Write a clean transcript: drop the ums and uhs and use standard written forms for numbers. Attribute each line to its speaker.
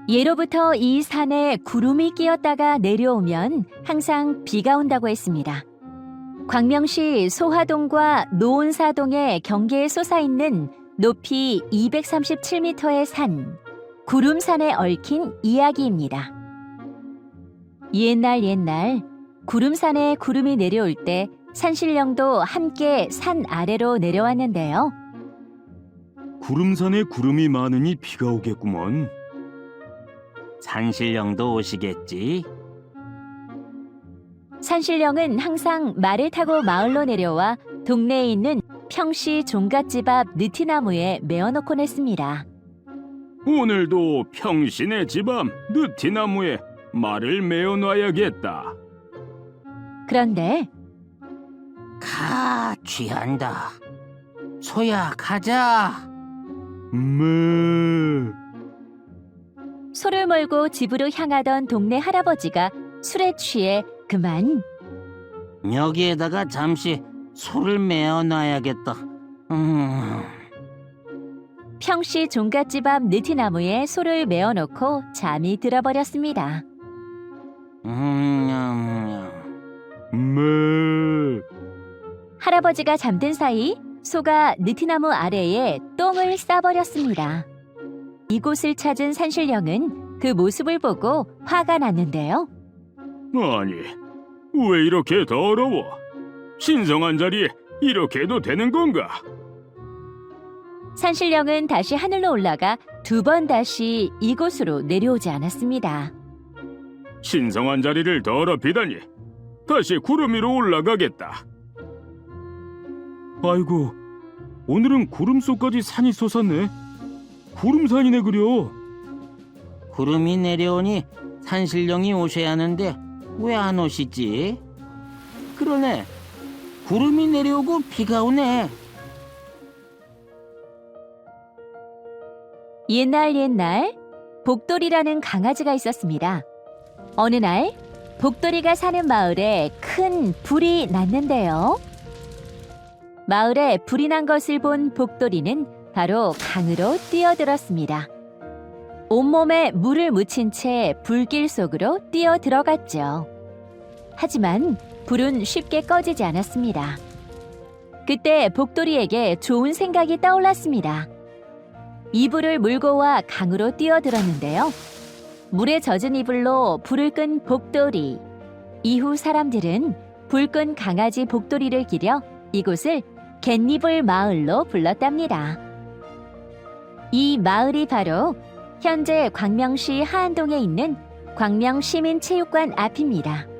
Speaker 1: 예로부터 이 산에 구름이 끼었다가 내려오면 항상 비가 온다고 했습니다. 광명시 소화동과 노온사동의 경계에 솟아있는 높이 237m의 산, 구름산에 얽힌 이야기입니다. 옛날 구름산에 구름이 내려올 때 산신령도 함께 산 아래로 내려왔는데요.
Speaker 2: 구름산에 구름이 많으니 비가 오겠구먼.
Speaker 3: 산신령도 오시겠지?
Speaker 1: 산신령은 항상 말을 타고 마을로 내려와 동네에 있는 평시 종갓집 앞 느티나무에 메어놓곤 했습니다.
Speaker 2: 오늘도 평신의 집 앞 느티나무에 말을 메어놔야겠다.
Speaker 1: 그런데
Speaker 3: 취한다. 소야, 가자.
Speaker 1: 소를 몰고 집으로 향하던 동네 할아버지가 술에 취해 그만
Speaker 3: 여기에다가 잠시 소를 메어놔야겠다.
Speaker 1: 평시 종갓집 앞 느티나무에 소를 메어놓고 잠이 들어버렸습니다. 할아버지가 잠든 사이 소가 느티나무 아래에 똥을 싸버렸습니다. 이곳을 찾은 산신령은 그 모습을 보고 화가 났는데요.
Speaker 2: 아니, 왜 이렇게 더러워? 신성한 자리에 이렇게 해도 되는 건가?
Speaker 1: 산신령은 다시 하늘로 올라가 2번 다시 이곳으로 내려오지 않았습니다.
Speaker 2: 신성한 자리를 더럽히다니. 다시 구름 위로 올라가겠다. 아이고, 오늘은 구름 속까지 산이 솟았네. 구름산이네 그려.
Speaker 3: 구름이 내려오니 산신령이 오셔야 하는데 왜 안 오시지? 그러네. 구름이 내려오고 비가 오네.
Speaker 1: 옛날 복돌이라는 강아지가 있었습니다. 어느 날 복돌이가 사는 마을에 큰 불이 났는데요. 마을에 불이 난 것을 본 복돌이는 바로 강으로 뛰어들었습니다. 온몸에 물을 묻힌 채 불길 속으로 뛰어들어갔죠. 하지만 불은 쉽게 꺼지지 않았습니다. 그때 복돌이에게 좋은 생각이 떠올랐습니다. 이불을 물고 와 강으로 뛰어들었는데요. 물에 젖은 이불로 불을 끈 복돌이. 이후 사람들은 불 끈 강아지 복돌이를 기려 이곳을 갯니불 마을로 불렀답니다. 이 마을이 바로 현재 광명시 하안동에 있는 광명시민체육관 앞입니다.